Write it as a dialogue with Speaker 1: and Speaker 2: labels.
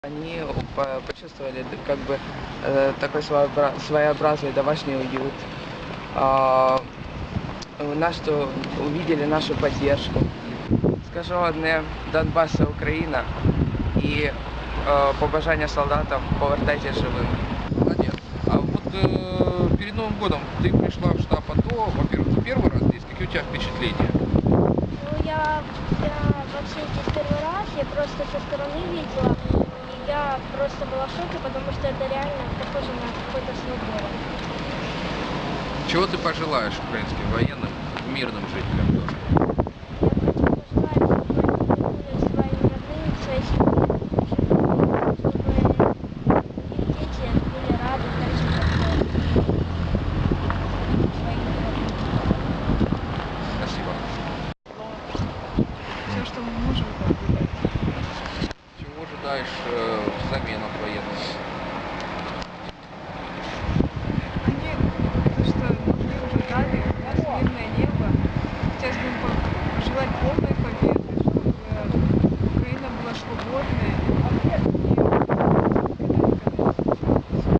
Speaker 1: Они почувствовали как бы такой своеобразный домашний уют. Что увидели нашу поддержку. Скажу одне: Донбасс — Україна, і побажання солдатам: повертайтесь живими.
Speaker 2: Молодец. А вот перед Новым годом ты пришла в штаб АТО, во-первых, это первый раз здесь, какие у тебя впечатления?
Speaker 3: Ну, я вообще здесь первый раз, я просто со стороны видела, и я просто была в шоке, потому что это реально похоже на какой-то свой город.
Speaker 2: Чего ты пожелаешь украинским военным, мирным жителям тоже?
Speaker 3: Я хочу пожелать, чтобы они вернулись к своим родным, к своей семье, чтобы их дети были рады так же, как своим родным.
Speaker 2: Спасибо.
Speaker 4: Все, что мы можем, это выдать.
Speaker 2: Чего ожидаешь взамен от военных?
Speaker 4: Они, то, что мы уже дали, у нас мирное небо. Хотелось бы им пожелать